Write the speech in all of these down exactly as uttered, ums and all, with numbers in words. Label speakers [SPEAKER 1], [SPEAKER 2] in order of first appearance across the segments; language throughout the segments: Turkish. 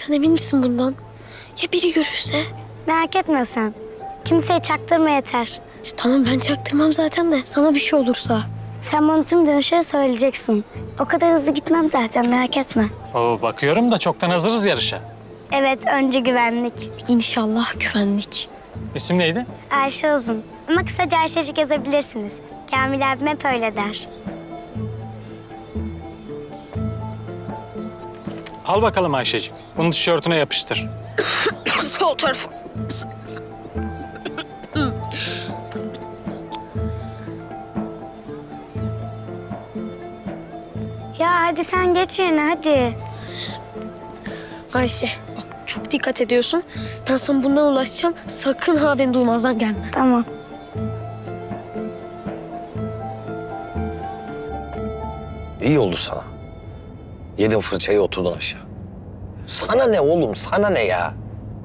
[SPEAKER 1] Sen emin misin bundan? Ya biri görürse?
[SPEAKER 2] Merak etme sen. Kimseye çaktırma yeter.
[SPEAKER 1] İşte tamam ben çaktırmam zaten de sana bir şey olursa.
[SPEAKER 2] Sen bana tüm dönüşleri söyleyeceksin. O kadar hızlı gitmem zaten, merak etme.
[SPEAKER 3] Oo, bakıyorum da çoktan hazırız yarışa.
[SPEAKER 2] Evet, önce güvenlik.
[SPEAKER 1] İnşallah güvenlik.
[SPEAKER 3] İsim neydi?
[SPEAKER 2] Ayşe Uzun. Ama kısaca Ayşecik yazabilirsiniz. Kamil abim hep öyle der.
[SPEAKER 3] Al bakalım Ayşeciğim. Bunu tişörtüne yapıştır.
[SPEAKER 1] Sol tarafı.
[SPEAKER 2] Ya hadi sen geç yerine, hadi.
[SPEAKER 1] Ayşe bak çok dikkat ediyorsun. Ben sana bundan ulaşacağım. Sakın ha beni duymazdan gelme.
[SPEAKER 2] Tamam.
[SPEAKER 4] İyi oldu sana. Yedin fırçayı, oturdun aşağı. Sana ne oğlum, sana ne ya?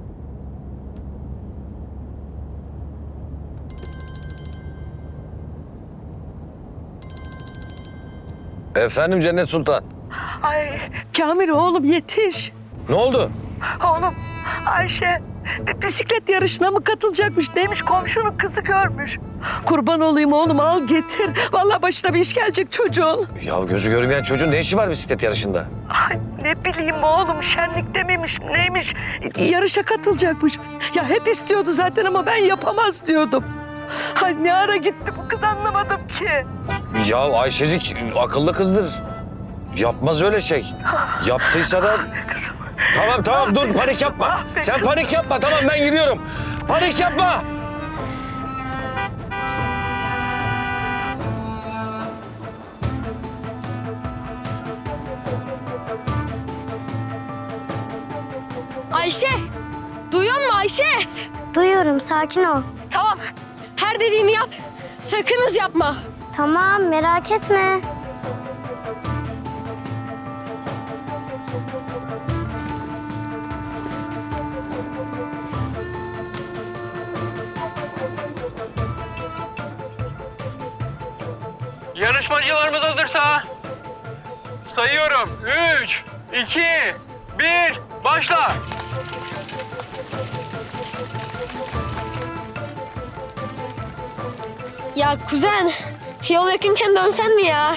[SPEAKER 4] Efendim Cennet Sultan.
[SPEAKER 5] Ay Kamil oğlum yetiş.
[SPEAKER 4] Ne oldu?
[SPEAKER 5] Oğlum Ayşe bisiklet yarışına mı katılacakmış? Neymiş, komşunun kızı görmüş. Kurban olayım oğlum, al getir. Vallahi başına bir iş gelecek çocuğun.
[SPEAKER 4] Ya gözü görmeyen çocuğun ne işi var bisiklet yarışında?
[SPEAKER 5] Ay ne bileyim oğlum, şenlikte miymiş neymiş? Yarışa katılacakmış. Ya hep istiyordu zaten ama ben yapamaz diyordum. Ay ne ara gitti bu kız, anlamadım ki.
[SPEAKER 4] Ya Ayşecik akıllı kızdır. Yapmaz öyle şey. Yaptıysa da... Tamam tamam dur, panik yapma. Sen panik yapma, tamam ben gidiyorum. Panik yapma.
[SPEAKER 1] Ayşe! Duyuyor musun Ayşe?
[SPEAKER 2] Duyuyorum, sakin ol.
[SPEAKER 1] Tamam. Her dediğimi yap. Sakın hız yapma.
[SPEAKER 2] Tamam, merak etme.
[SPEAKER 3] Yarışmacılarımız hazırsa sayıyorum. Üç, iki, bir, başla.
[SPEAKER 1] Ya kuzen, yol yakınken dönsen mi ya?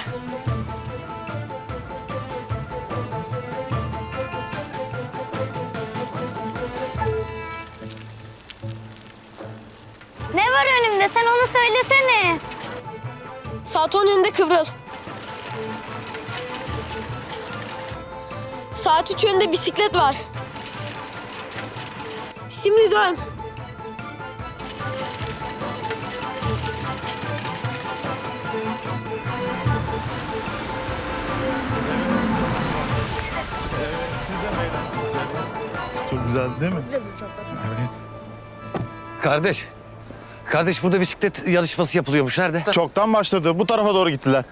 [SPEAKER 2] Ne var önümde, sen onu söylesene.
[SPEAKER 1] Saat on yönünde kıvrıl. Saat üç yönünde bisiklet var. Şimdi dön.
[SPEAKER 6] Çok güzel değil mi?
[SPEAKER 4] Kardeş. Kardeş burada bisiklet yarışması yapılıyormuş. Nerede?
[SPEAKER 6] Çoktan başladı. Bu tarafa doğru gittiler.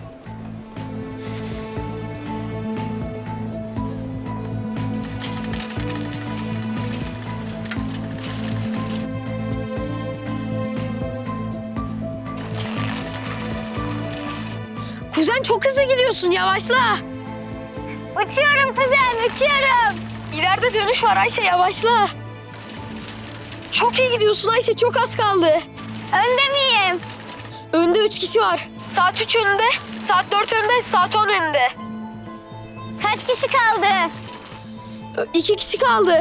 [SPEAKER 1] Kuzen çok hızlı gidiyorsun, yavaşla.
[SPEAKER 2] Uçuyorum kuzen, uçuyorum.
[SPEAKER 1] İleride dönüş var Ayşe, yavaşla. Çok iyi gidiyorsun Ayşe, çok az kaldı.
[SPEAKER 2] Önde miyim?
[SPEAKER 1] Önde üç kişi var. Saat üç önünde, saat dört önünde, saat on önünde.
[SPEAKER 2] Kaç kişi kaldı?
[SPEAKER 1] Ö, İki kişi kaldı.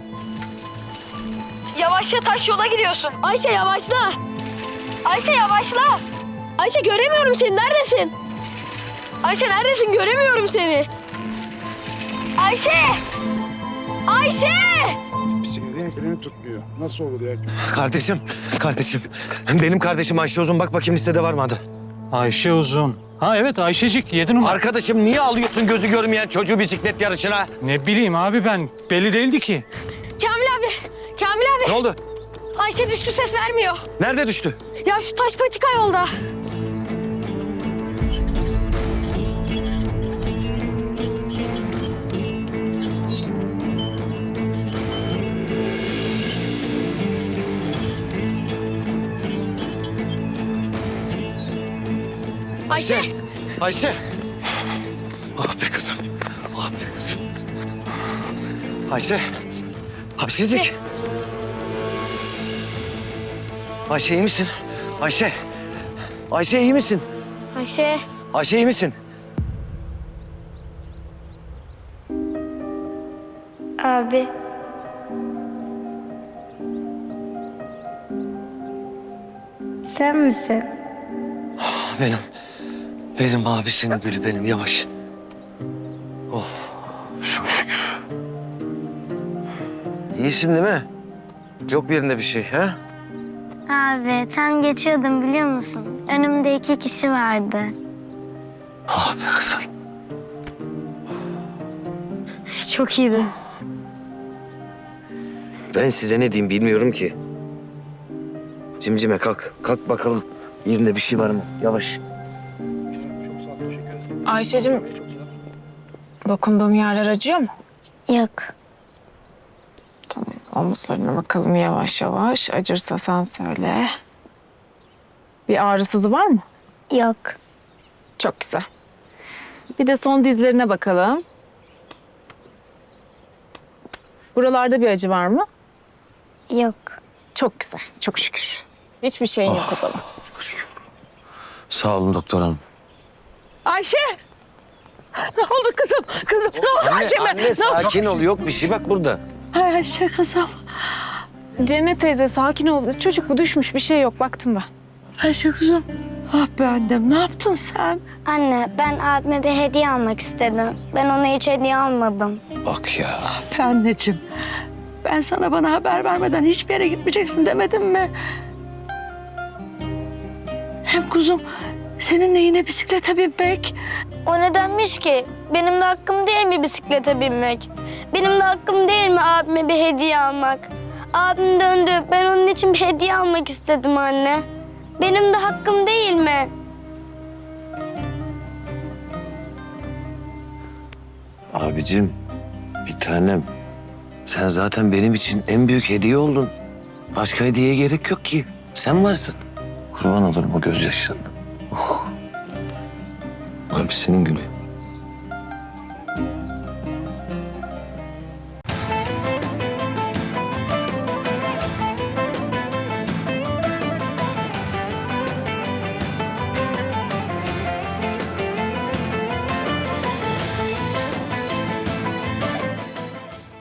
[SPEAKER 1] Yavaşça, taş yola gidiyorsun. Ayşe yavaşla. Ayşe yavaşla. Ayşe göremiyorum seni, neredesin? Ayşe neredesin, göremiyorum seni. Ayşe! Ayşe!
[SPEAKER 7] Bisikletin freni tutmuyor. Nasıl olur ya?
[SPEAKER 4] Kardeşim, kardeşim. Benim kardeşim Ayşe Uzun. Bak bakayım listede var mı adı?
[SPEAKER 3] Ayşe Uzun. Ha evet Ayşecik, yedi numara.
[SPEAKER 4] Arkadaşım niye alıyorsun gözü görmeyen çocuğu bisiklet yarışına?
[SPEAKER 3] Ne bileyim abi ben, belli değildi ki.
[SPEAKER 1] Kamil abi, Kamil abi.
[SPEAKER 4] Ne oldu?
[SPEAKER 1] Ayşe düştü, ses vermiyor.
[SPEAKER 4] Nerede düştü?
[SPEAKER 1] Ya şu taş patika yolda. Ayşe.
[SPEAKER 4] Ayşe. Ah be kızım. Ah be kızım. Ayşe. Ayşecik. Ayşe iyi misin? Ayşe. Ayşe iyi misin?
[SPEAKER 1] Ayşe.
[SPEAKER 4] Ayşe iyi misin?
[SPEAKER 2] Abi. Sen misin?
[SPEAKER 4] Benim. Benim abisinin gülü benim. Yavaş. Oh. Çok şükür. İyisin değil mi? Yok bir yerinde bir şey ha?
[SPEAKER 2] Abi tam geçiyordum biliyor musun? Önümde iki kişi vardı.
[SPEAKER 4] Ah be kızım.
[SPEAKER 1] Çok iyiydi.
[SPEAKER 4] Ben size ne diyeyim bilmiyorum ki. Cimcime kalk. Kalk bakalım. Yerinde bir şey var mı? Yavaş.
[SPEAKER 8] Ayşe'cim, dokunduğum yerler acıyor mu?
[SPEAKER 2] Yok.
[SPEAKER 8] Tamam, omuzlarına bakalım yavaş yavaş. Acırsa sen söyle. Bir ağrısızı var mı?
[SPEAKER 2] Yok.
[SPEAKER 8] Çok güzel. Bir de son dizlerine bakalım. Buralarda bir acı var mı?
[SPEAKER 2] Yok.
[SPEAKER 8] Çok güzel, çok şükür. Hiçbir şeyin yok o zaman.
[SPEAKER 4] Sağ olun doktor hanım.
[SPEAKER 5] Ayşe! Ne oldu kızım? Kızım ne oldu Ayşe'me?
[SPEAKER 4] Anne
[SPEAKER 5] Ne oldu?
[SPEAKER 4] sakin ol. Yok bir şey bak burada.
[SPEAKER 5] Ay Ayşe kızım.
[SPEAKER 8] Cennet teyze sakin ol. Çocuk bu düşmüş, bir şey yok. Baktım ben.
[SPEAKER 5] Ayşe kızım. Ah be annem ne yaptın sen?
[SPEAKER 2] Anne ben abime bir hediye almak istedim. Ben ona hiç hediye almadım.
[SPEAKER 4] Bak ya.
[SPEAKER 5] Be anneciğim. Ben sana bana haber vermeden hiçbir yere gitmeyeceksin demedim mi? Hem kuzum seninle yine bisiklete binmek.
[SPEAKER 2] O nedenmiş ki? Benim de hakkım değil mi bisiklete binmek? Benim de hakkım değil mi abime bir hediye almak? Abim döndü. Ben onun için bir hediye almak istedim anne. Benim de hakkım değil mi?
[SPEAKER 4] Abicim bir tanem. Sen zaten benim için en büyük hediye oldun. Başka hediyeye gerek yok ki. Sen varsın. Kurban olurum o gözyaşlarına. Oh. Abisinin gülü.